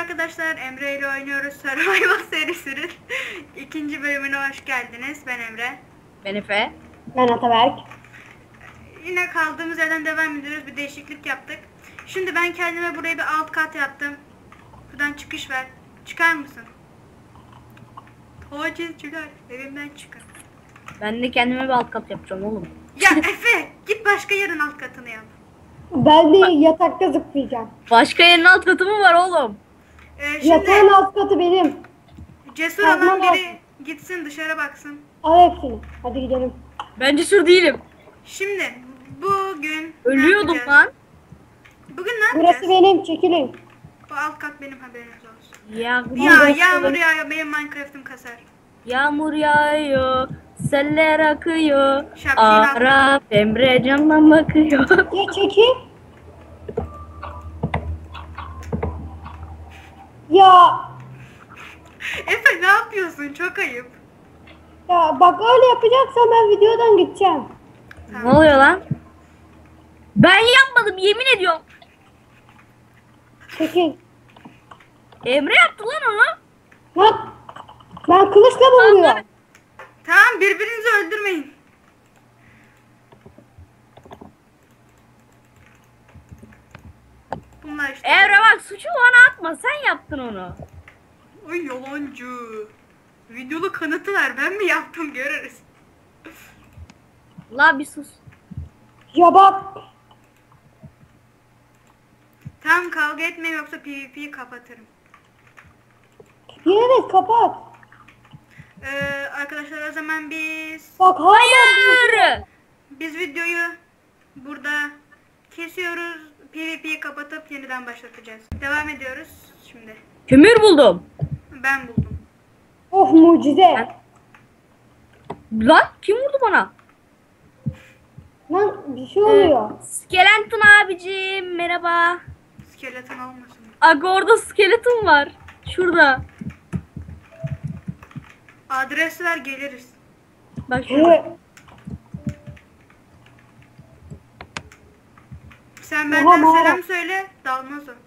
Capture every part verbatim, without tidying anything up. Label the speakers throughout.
Speaker 1: arkadaşlar, Emre ile oynuyoruz Survival serisinin ikinci bölümüne hoş geldiniz. Ben Emre.
Speaker 2: Ben Efe.
Speaker 3: Ben Ataberk.
Speaker 1: Yine kaldığımız yerden devam ediyoruz. Bir değişiklik yaptık. Şimdi ben kendime buraya bir alt kat yaptım. Buradan çıkış ver. Çıkar mısın? Taciz çıkar. Evimden çıkar.
Speaker 2: Ben de kendime bir alt kat yapacağım oğlum.
Speaker 1: Ya Efe, git başka yerin alt katını yap.
Speaker 3: Ben de yatakta zıplayacağım.
Speaker 2: Başka yerin alt katı mı var oğlum?
Speaker 1: Ee, şimdi
Speaker 3: Yatağın alt katı benim.
Speaker 1: cesur
Speaker 3: Tamam,
Speaker 1: olan
Speaker 3: tamam.
Speaker 1: biri gitsin dışarı baksın.
Speaker 3: Al hepsini. Hadi gidelim.
Speaker 2: Ben cesur değilim.
Speaker 1: Şimdi bugün
Speaker 2: Ölüyordum
Speaker 1: ne yapacağız?
Speaker 2: lan.
Speaker 1: Bugün ne
Speaker 3: Burası
Speaker 1: yapacağız?
Speaker 3: benim. Çekilin.
Speaker 1: Bu alt kat benim, haberiniz olsun.
Speaker 2: Ya,
Speaker 1: Ya
Speaker 3: burası
Speaker 1: yağmur
Speaker 3: benim.
Speaker 1: yağıyor, benim Minecraft'ım kasar.
Speaker 2: Yağmur yağıyor. Seller akıyor.
Speaker 1: Şapşal.
Speaker 2: Arap Emre camdan bakıyor.
Speaker 3: Ya çekil. Ya
Speaker 1: Efe ne yapıyorsun? Çok ayıp.
Speaker 3: ya bak öyle yapacaksan ben videodan gideceğim.
Speaker 2: Ne oluyor lan? Ben yapmadım, yemin ediyorum.
Speaker 3: Çekil.
Speaker 2: Emre yaptı lan onu.
Speaker 3: Lan ben kılıçla vuruyorum.
Speaker 1: Tamam, birbirinizi öldürmeyin. Bunlar işte.
Speaker 2: Emre bak, suçu bana atma, sen yaptın onu.
Speaker 1: Ay yalancı. Videolu kanıtı ver. Ben mi yaptım, görürüz.
Speaker 2: La bir sus.
Speaker 3: Ya bak.
Speaker 1: Tamam, kavga etmeyin yoksa PvP'yi kapatırım.
Speaker 3: Yine de kapat.
Speaker 1: Ee, arkadaşlar o zaman biz
Speaker 3: Bak hala.
Speaker 2: Hayır.
Speaker 1: biz videoyu burada kesiyoruz. PvP'yi kapatıp yeniden başlatacağız. Devam ediyoruz şimdi.
Speaker 2: Kömür buldum.
Speaker 1: Ben buldum.
Speaker 3: Oh mucize.
Speaker 2: Lan kim vurdu bana?
Speaker 3: Lan bir şey oluyor.
Speaker 2: Skeleton abicim merhaba.
Speaker 1: Skeleton olmasın.
Speaker 2: Aga orada skeleton var. Şurada.
Speaker 1: Adres ver, geliriz.
Speaker 2: Bak şurada.
Speaker 3: Evet.
Speaker 1: Sen
Speaker 3: Oha,
Speaker 1: benden
Speaker 3: mağara.
Speaker 1: selam söyle, dalmaz o.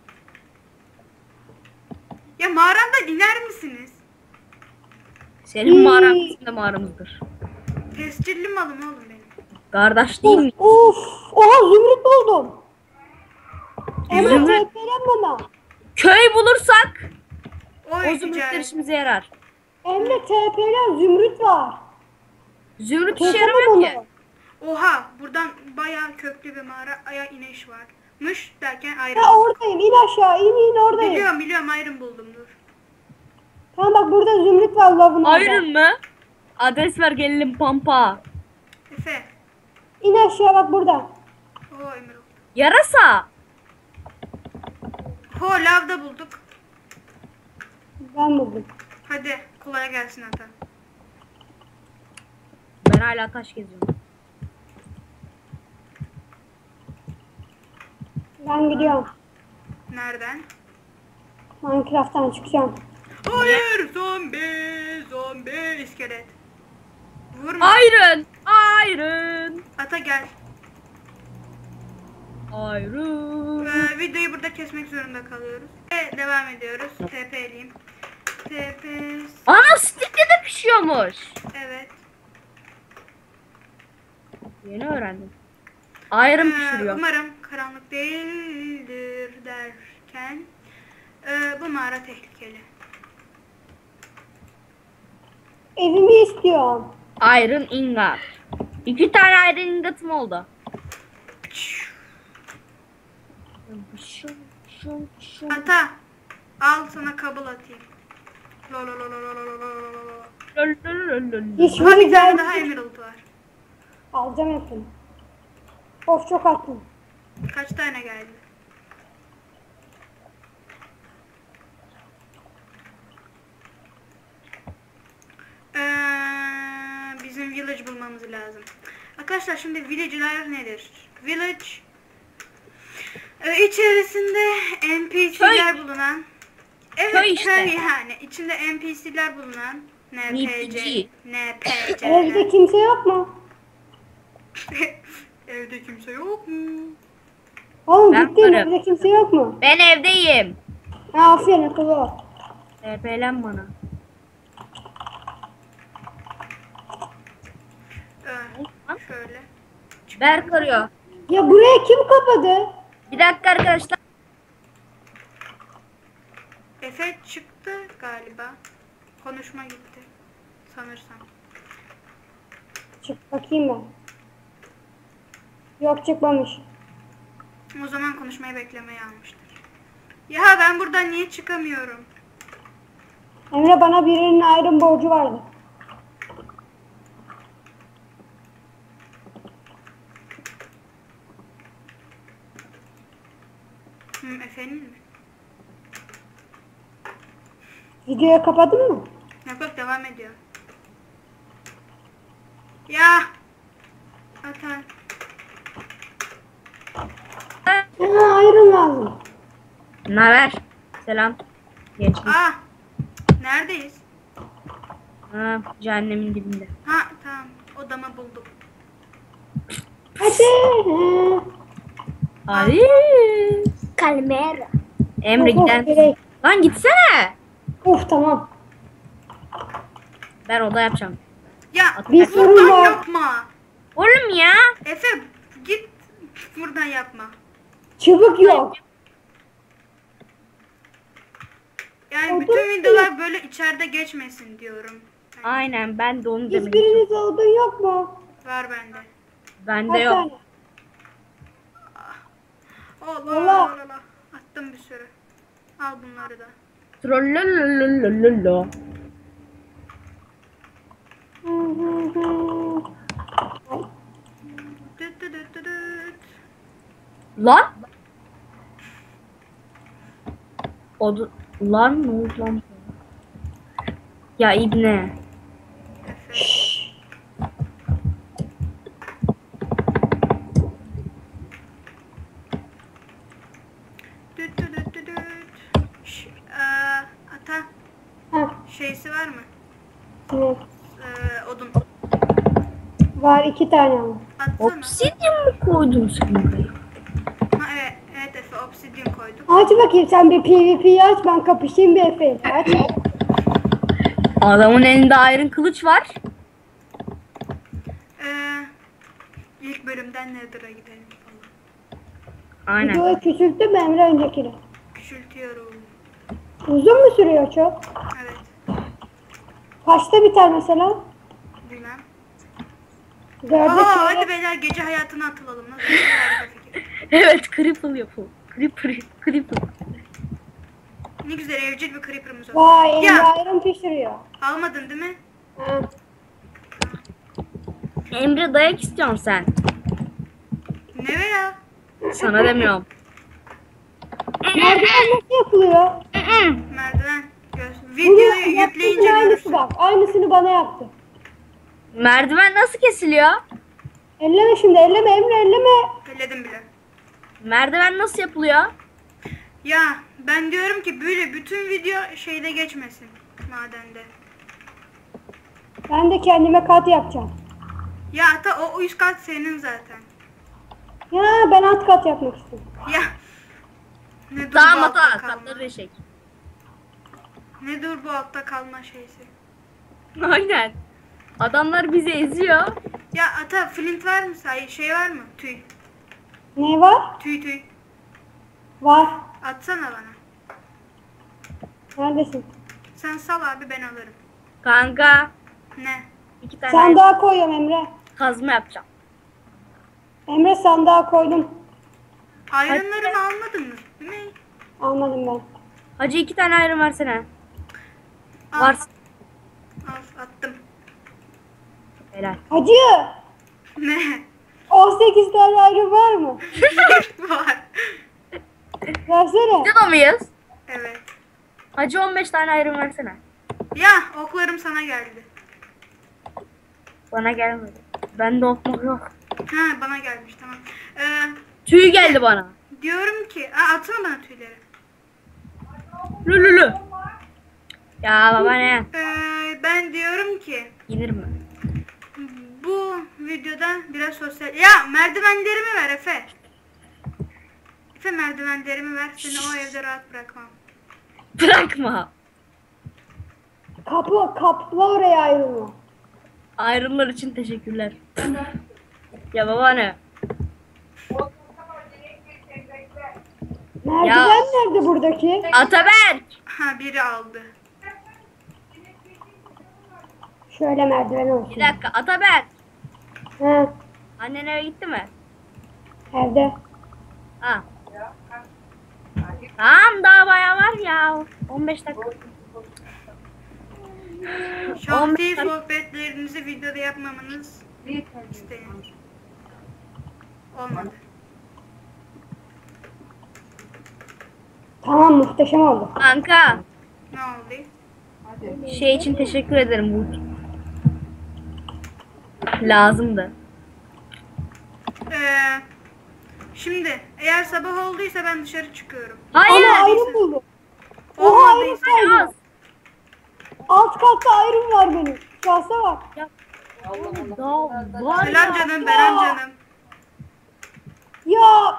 Speaker 1: Ya mağaramdan iner misiniz?
Speaker 2: Senin mağaran bizim de mağaramızdır.
Speaker 1: Tescilli malım oğlum benim.
Speaker 2: Kardeş değil mi?
Speaker 3: Of. Oha zümrüt buldum. Emre
Speaker 2: Zümrüt.
Speaker 3: tepelen bana.
Speaker 2: Köy bulursak
Speaker 1: Oy
Speaker 2: o zümrütler
Speaker 1: ticaret.
Speaker 2: işimize yarar.
Speaker 3: Emre tepelen zümrüt var.
Speaker 2: Zümrüt işe
Speaker 3: Kesemem
Speaker 2: yaramıyor ki.
Speaker 3: onu.
Speaker 1: Oha, buradan bayağı köklü bir mağara, aya iniş varmış derken ayrım.
Speaker 3: Ha oradayım. İn aşağı. İn in oradayım.
Speaker 1: Biliyorum biliyorum, ayrım buldum, dur.
Speaker 3: Tamam bak burada zümrüt var lavın orada.
Speaker 2: Iron mı? Adres ver gelelim pampa.
Speaker 1: Efe.
Speaker 3: İn aşağı bak burada.
Speaker 1: O Emerald.
Speaker 2: Yarasa.
Speaker 1: Ho, lavda bulduk.
Speaker 3: Ben buldum.
Speaker 1: Hadi kolay gelsin ata.
Speaker 2: Ben hala taş geziyorum.
Speaker 3: Ben gidiyorum.
Speaker 1: Nereden?
Speaker 3: Minecraft'tan çıkacağım.
Speaker 1: Hayır, zombi, zombi, iskelet. Vurma.
Speaker 2: Iron. Iron.
Speaker 1: Ata gel.
Speaker 2: Iron.
Speaker 1: Ee, videoyu burada kesmek zorunda kalıyoruz. Ve devam ediyoruz. T P'liyim. T P.
Speaker 2: Ana stickle de pişiyormuş.
Speaker 1: Evet.
Speaker 2: Yeni öğrendim. Iron
Speaker 1: Ee,
Speaker 2: pişiriyor.
Speaker 1: umarım karanlık değildir derken ee, bu mağara tehlikeli.
Speaker 3: Evimi istiyorum.
Speaker 2: Iron ingot. İki tane iron ingot'um oldu.
Speaker 1: Ata, al sana kabul atayım. Lo lo lo lo lo lo lo lo lo. Aha,
Speaker 3: Hiçbiri
Speaker 1: bir tane daha
Speaker 3: geldi.
Speaker 1: emerald var.
Speaker 3: Alacağım hepsini. Of çok attım.
Speaker 1: Kaç tane geldi? Ee, bizim village bulmamız lazım. Arkadaşlar şimdi village'ler nedir? Village e, içerisinde N P C'ler bulunan, evet
Speaker 2: Köy işte.
Speaker 1: köy yani içinde N P C'ler bulunan N P C,
Speaker 2: N P C.
Speaker 1: N P
Speaker 3: Evde
Speaker 1: C'ler.
Speaker 3: kimse yok mu?
Speaker 1: Evde kimse yok mu?
Speaker 3: Oğlum
Speaker 2: Ben
Speaker 3: gittin
Speaker 2: varım.
Speaker 3: evde kimse yok mu?
Speaker 2: Ben evdeyim.
Speaker 3: Ha, aferin akıllı ol.
Speaker 2: T P'len bana.
Speaker 1: Ee, şöyle.
Speaker 2: Berk arıyor.
Speaker 3: Ya buraya kim kapadı?
Speaker 2: Bir dakika arkadaşlar.
Speaker 1: Efe çıktı galiba. Konuşma gitti. Sanırsam.
Speaker 3: Çık bakayım ben. Yok, çıkmamış.
Speaker 1: O zaman konuşmayı beklemeye almıştır. Ya ben buradan niye çıkamıyorum?
Speaker 3: Emre, bana birinin ayrım borcu vardı.
Speaker 1: Hı, Efe'nin mi?
Speaker 3: Videoyu kapadın mı?
Speaker 1: Yok yok, devam ediyor. Ya. Atan.
Speaker 3: Ha, ayrım lazım.
Speaker 2: Naber? Selam. Genç.
Speaker 1: Aa. Neredeyiz?
Speaker 2: Ha, cehennemin dibinde.
Speaker 1: Ha tamam. Odamı buldum.
Speaker 3: Hadi. Ha.
Speaker 2: Hadi.
Speaker 3: Kalmera.
Speaker 2: Emre
Speaker 3: Of, of,
Speaker 2: giden.
Speaker 3: direkt.
Speaker 2: Lan gitsene.
Speaker 3: Uf, tamam.
Speaker 2: Ben oda yapacağım.
Speaker 1: Ya
Speaker 3: Bir sorun
Speaker 1: buradan
Speaker 3: var.
Speaker 1: yapma.
Speaker 2: Oğlum ya.
Speaker 1: Efe git buradan yapma.
Speaker 3: Çubuk yok.
Speaker 1: Yani
Speaker 3: Odun
Speaker 1: bütün
Speaker 3: mu?
Speaker 1: videolar böyle içeride geçmesin diyorum. Yani
Speaker 2: Aynen ben de onu demek istiyorum.
Speaker 3: Hiçbiriniz odun yok mu?
Speaker 1: var bende.
Speaker 2: Bende
Speaker 3: Kaç
Speaker 2: yok.
Speaker 3: tane?
Speaker 1: Allah
Speaker 3: Allah.
Speaker 1: Allah Allah. Attım bir sürü. Al bunları da.
Speaker 2: Trollolololololo.
Speaker 3: Hı hı hı. Ay,
Speaker 1: Düt düt düt düt düt.
Speaker 2: Lan. Oda... Lan ne oldu lan? Ya İbne.
Speaker 1: Efe. Düt düt düt düt düt. Şş, eee, ata
Speaker 3: Ha,
Speaker 1: şeysi var mı?
Speaker 3: ne?
Speaker 1: Eee, odun.
Speaker 3: Var iki tane ama.
Speaker 1: Atsana.
Speaker 2: Obsidian mı koydun sen buraya?
Speaker 1: Ha, evet, evet Efe, obsidian koydum.
Speaker 3: Aç bakayım, sen bir PvP'yi aç, ben kapışayım bir Efe'yle. Aç.
Speaker 2: Adamın elinde iron kılıç var.
Speaker 1: Eee ilk bölümden Nether'a gidelim falan.
Speaker 2: Aynen.
Speaker 3: Videoyu küçülttü mü Emre öncekini?
Speaker 1: Küçültüyorum.
Speaker 3: Uzun mu sürüyor çok?
Speaker 1: Evet.
Speaker 3: Kaçta biter mesela?
Speaker 1: Bilmem.
Speaker 3: Dörde
Speaker 1: Aa,
Speaker 3: çeyrek.
Speaker 1: hadi beyler gece hayatına atılalım. Nasıl bir harika fikir.
Speaker 2: Evet, creeper yapalım. Creeper, creeper.
Speaker 1: Ne güzel evcil bir creeper'ımız oldu.
Speaker 3: Vay, elinde
Speaker 1: Ya
Speaker 3: ayrım pişiriyor.
Speaker 1: almadın değil mi?
Speaker 3: Ha.
Speaker 2: Emre dayak istiyorsun sen.
Speaker 1: Ne be ya?
Speaker 2: Sana demiyorum.
Speaker 3: Merdiven nasıl yapılıyor?
Speaker 1: Merdiven. Göz.
Speaker 3: Bunu
Speaker 1: Videoyu
Speaker 3: yaptığın
Speaker 1: yükleyince
Speaker 3: aynısı
Speaker 1: görürsün.
Speaker 3: bak. Aynısını bana yaptı.
Speaker 2: Merdiven nasıl kesiliyor?
Speaker 3: Elleme şimdi, elleme Emre, elleme.
Speaker 1: Elledim bile.
Speaker 2: Merdiven nasıl yapılıyor?
Speaker 1: Ya ben diyorum ki böyle bütün video şeyde geçmesin. Madende.
Speaker 3: Ben de kendime kat yapacağım.
Speaker 1: Ya ata o üst kat senin zaten.
Speaker 3: Ya ben alt kat yapmak istiyorum.
Speaker 1: Ya. Ne dur bu
Speaker 2: Tamam
Speaker 1: altta
Speaker 2: hata.
Speaker 1: kalma.
Speaker 2: Katları eşek.
Speaker 1: Ne dur bu altta kalma şeysi.
Speaker 2: Aynen. Adamlar bizi eziyor.
Speaker 1: Ya ata flint var mı? Say şey var mı? Tüy.
Speaker 3: Ne var?
Speaker 1: Tüy tüy.
Speaker 3: Var.
Speaker 1: Atsana bana.
Speaker 3: Neredesin?
Speaker 1: Sen sal abi, ben alırım.
Speaker 2: Kanka.
Speaker 1: Ne?
Speaker 2: iki tane
Speaker 3: Sandığa koyuyorum Emre.
Speaker 2: kazma yapacağım.
Speaker 3: Emre, sandığa koydum.
Speaker 1: Ayrınlarımı almadın mı? Değil mi?
Speaker 3: Almadım ben.
Speaker 2: Hacı iki tane iron versene.
Speaker 1: Al.
Speaker 2: Var.
Speaker 1: Al attım.
Speaker 2: Helal.
Speaker 3: Hacı!
Speaker 1: Ne?
Speaker 3: on sekiz tane ayrı var mı?
Speaker 1: Var.
Speaker 3: Versene.
Speaker 2: Gidiyor muyuz?
Speaker 1: Evet.
Speaker 2: Hacı on beş tane iron versene.
Speaker 1: Ya oklarım sana geldi.
Speaker 2: Bana gelmedi. Bende okmak yok.
Speaker 1: Ha bana gelmiş, tamam. Ee,
Speaker 2: Tüy geldi bana.
Speaker 1: diyorum ki, aa, atsana bana tüyleri.
Speaker 2: Lülülü. Ya baba ne?
Speaker 1: Ee, ben diyorum ki
Speaker 2: Yenir mi?
Speaker 1: bu videoda biraz sosyal... Ya merdivenlerimi ver Efe. Efe merdivenlerimi ver. Seni o evde rahat bırakmam.
Speaker 2: Bırakma.
Speaker 3: Kapı, kapla oraya ayrılma.
Speaker 2: Ayrımlar için teşekkürler. Ya baba ne?
Speaker 3: Merdiven
Speaker 2: Ya.
Speaker 3: nerede buradaki?
Speaker 2: Ataberk.
Speaker 1: Ha biri aldı.
Speaker 3: Şöyle merdiven olsun.
Speaker 2: Bir dakika Ataberk.
Speaker 3: Ha,
Speaker 2: Annen eve gitti mi?
Speaker 3: evde.
Speaker 2: Ha. Tamam daha bayağı var ya. on beş dakika.
Speaker 1: Şahsi sohbetlerinizi videoda yapmamanız isteyin. Olmadı.
Speaker 3: Tamam, muhteşem oldu.
Speaker 2: Kanka
Speaker 1: Ne oldu?
Speaker 2: şey için teşekkür ederim bu. Lazımdı.
Speaker 1: Ee, şimdi eğer sabah olduysa ben dışarı çıkıyorum.
Speaker 2: Hayır.
Speaker 3: Ama ayrım buldum. Oha,
Speaker 1: Olmadıysa
Speaker 3: ayrım
Speaker 2: Az.
Speaker 3: var. Alt katta ayrım var benim. Şahsa bak.
Speaker 2: Daha var
Speaker 1: selam
Speaker 2: ya.
Speaker 1: canım Beren canım.
Speaker 3: Ya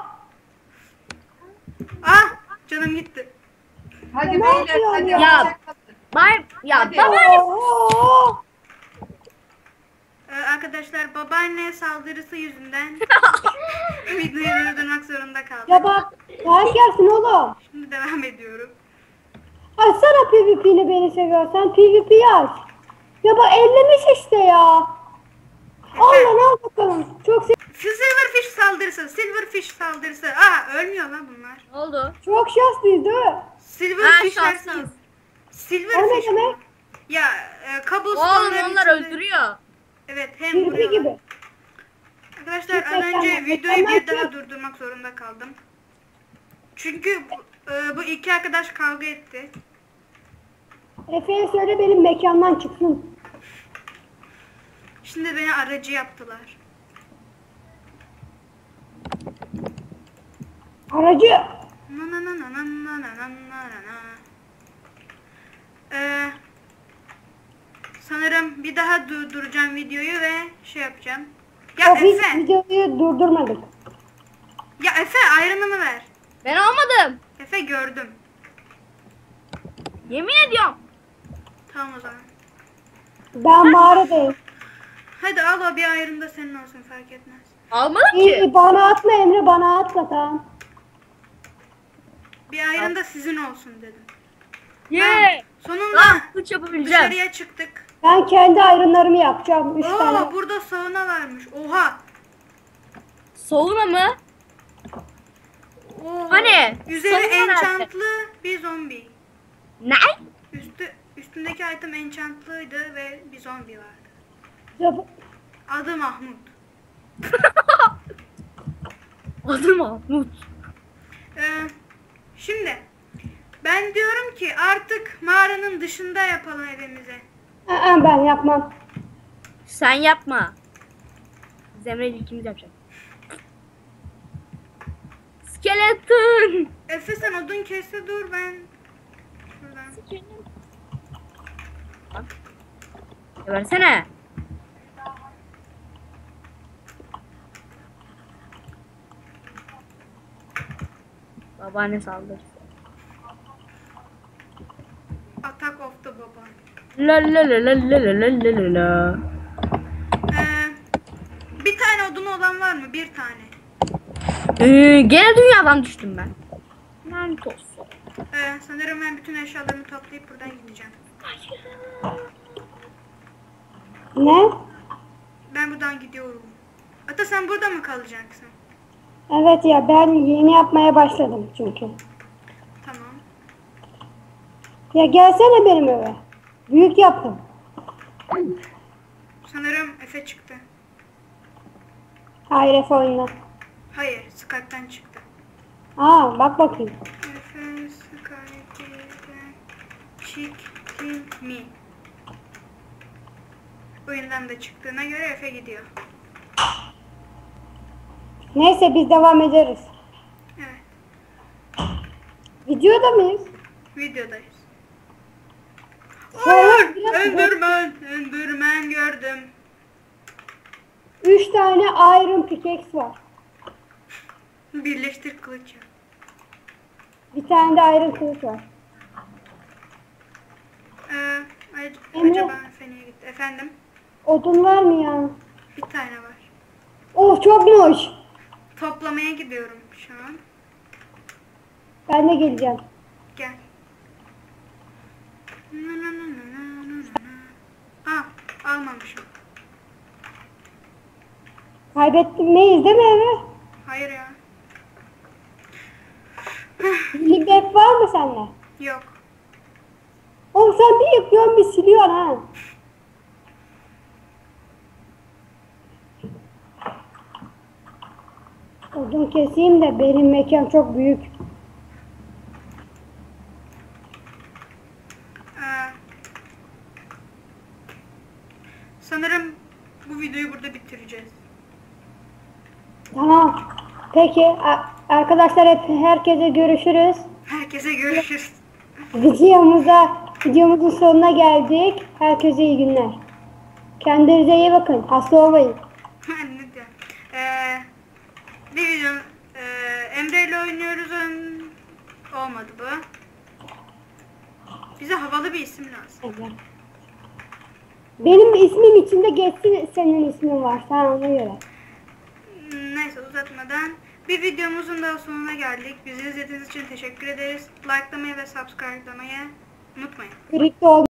Speaker 1: Ah canım gitti.
Speaker 4: Hadi
Speaker 3: ne
Speaker 4: beyler
Speaker 3: yapıyorsun
Speaker 4: hadi.
Speaker 3: ya?
Speaker 2: Ya. Bay ya
Speaker 4: Hadi.
Speaker 2: babaanne.
Speaker 3: Oha.
Speaker 1: Ee, arkadaşlar babaanne saldırısı yüzünden videoyu durdurmak zorunda kaldım.
Speaker 3: Ya bak. Sen gelsin oğlum.
Speaker 1: Şimdi devam ediyorum.
Speaker 3: Açsana PvP'ni beni seviyorsan. PvP'yi aç. Ya bak ellemiş işte ya. Al lan al bakalım. Çok se-
Speaker 1: Silverfish saldırısı, Silverfish saldırısı. Aa ölmüyor lan bunlar.
Speaker 2: Ne oldu?
Speaker 3: çok şanslıyız değil mi?
Speaker 2: Ha,
Speaker 1: Silverfish'ler
Speaker 2: şanssız.
Speaker 1: Silverfish
Speaker 3: O ne
Speaker 1: mi?
Speaker 3: demek?
Speaker 1: Ya e,
Speaker 2: Oğlum
Speaker 1: cobblestone'ların
Speaker 2: onlar
Speaker 1: içinde-
Speaker 2: öldürüyor.
Speaker 1: Evet hem
Speaker 3: PvP
Speaker 1: vuruyorlar.
Speaker 3: gibi.
Speaker 1: Arkadaşlar az
Speaker 3: Gerçekten
Speaker 1: önce
Speaker 3: de-
Speaker 1: videoyu bir
Speaker 3: mükemmel
Speaker 1: daha
Speaker 3: şey.
Speaker 1: durdurmak zorunda kaldım. Çünkü bu, e, bu iki arkadaş kavga etti.
Speaker 3: Efe'ye söyle benim mekandan çıksın.
Speaker 1: Şimdi beni aracı yaptılar.
Speaker 3: Aracı.
Speaker 1: Na na na na na na na na na na. Ee, sanırım bir daha durduracağım videoyu ve şey yapacağım. Ya
Speaker 3: O biz
Speaker 1: Efe,
Speaker 3: videoyu durdurmadık.
Speaker 1: ya Efe ayrınımı ver.
Speaker 2: Ben almadım.
Speaker 1: Efe gördüm.
Speaker 2: Yemin ediyorum.
Speaker 1: Tamam o zaman.
Speaker 3: Ben mağaradayım.
Speaker 1: Hadi al o bir ayrım da senin olsun fark etmez.
Speaker 2: Almadım
Speaker 3: İyi,
Speaker 2: ki.
Speaker 3: bana atma Emre, bana atma tamam.
Speaker 1: Bir ayrım da sizin olsun dedim.
Speaker 2: Ye.
Speaker 1: Sonunda
Speaker 2: Lan kılıç yapabileceğim.
Speaker 1: dışarıya çıktık.
Speaker 3: Ben kendi ayrımlarımı yapacağım. Üç
Speaker 1: Oo
Speaker 3: tane.
Speaker 1: burada sauna varmış. Oha.
Speaker 2: Soğuna mı?
Speaker 1: Oo.
Speaker 2: Hani?
Speaker 1: Üzeri
Speaker 2: Sauna nerede?
Speaker 1: enchantlı bir zombi.
Speaker 2: Ne?
Speaker 1: Üstü üstündeki item enchantlıydı ve bir zombi vardı.
Speaker 3: Zıp-
Speaker 1: Adı Mahmut.
Speaker 2: Adı Mahmut.
Speaker 1: Ee, şimdi ben diyorum ki artık mağaranın dışında yapalım evimizi.
Speaker 3: Aa, ben yapmam.
Speaker 2: Sen yapma. Zemre ile ikimiz yapacak. Skeleton.
Speaker 1: Efe sen odun kesse dur ben. Şuradan.
Speaker 2: Ya versene. Babaanne saldırdı.
Speaker 1: Attack of the Baba.
Speaker 2: La la la la la la la la la la.
Speaker 1: Ee, bir tane odun olan var mı? Bir tane.
Speaker 2: Ee, gene dünyadan düştüm ben. Lanet olsun.
Speaker 1: Ee, sanırım ben bütün eşyalarımı toplayıp buradan gideceğim.
Speaker 3: Ne?
Speaker 1: Ben buradan gidiyorum. Ata sen burada mı kalacaksın?
Speaker 3: Evet ya, ben yeni yapmaya başladım çünkü.
Speaker 1: Tamam.
Speaker 3: Ya gelsene benim eve. Büyük yaptım.
Speaker 1: Sanırım Efe çıktı.
Speaker 3: Hayır, Efe oyunda.
Speaker 1: Hayır, Skype'den çıktı.
Speaker 3: Aa, bak bakayım.
Speaker 1: Efe Skype'den çıktı mi? Oyundan da çıktığına göre Efe gidiyor.
Speaker 3: Neyse, biz devam ederiz.
Speaker 1: Evet,
Speaker 3: Videoda mıyız?
Speaker 1: videodayız.
Speaker 3: Sonra
Speaker 1: Hayır,
Speaker 3: biraz-
Speaker 1: Enderman, Enderman gördüm.
Speaker 3: Üç tane Iron Pickaxe var.
Speaker 1: Birleştir kılıç yap.
Speaker 3: Bir tane de Iron kılıç var. Emre.
Speaker 1: Acaba Feni'ye gitti. Efendim?
Speaker 3: Odun var mı ya?
Speaker 1: Bir tane var.
Speaker 3: Of çokmuş.
Speaker 1: Toplamaya gidiyorum şu an.
Speaker 3: Ben de geleceğim.
Speaker 1: Gel. Aa, almamışım.
Speaker 3: Kaybetmeyiz değil mi Emre?
Speaker 1: Hayır ya.
Speaker 3: Libek var mı sende?
Speaker 1: Yok.
Speaker 3: Oğlum sen bir yıkıyorsun bir siliyorsun ha. Odun keseyim de benim mekan çok büyük.
Speaker 1: Ee, sanırım bu videoyu burada bitireceğiz.
Speaker 3: Tamam. Peki a- arkadaşlar hep herkese görüşürüz.
Speaker 1: Herkese görüşürüz.
Speaker 3: Videomuza videomuzun sonuna geldik. Herkese iyi günler. Kendinize iyi bakın. Hasta olmayın.
Speaker 1: ne diyor? Ee, bir video e, Emre ile oynuyoruz. oyun- Olmadı bu. Bize havalı bir isim lazım.
Speaker 3: Benim ismim içinde geçsin senin ismin varsa ona göre.
Speaker 1: Neyse uzatmadan bir videomuzun daha sonuna geldik. Bizi izlediğiniz için teşekkür ederiz. Likelamayı ve subscribe'lamayı unutmayın.
Speaker 3: Kripto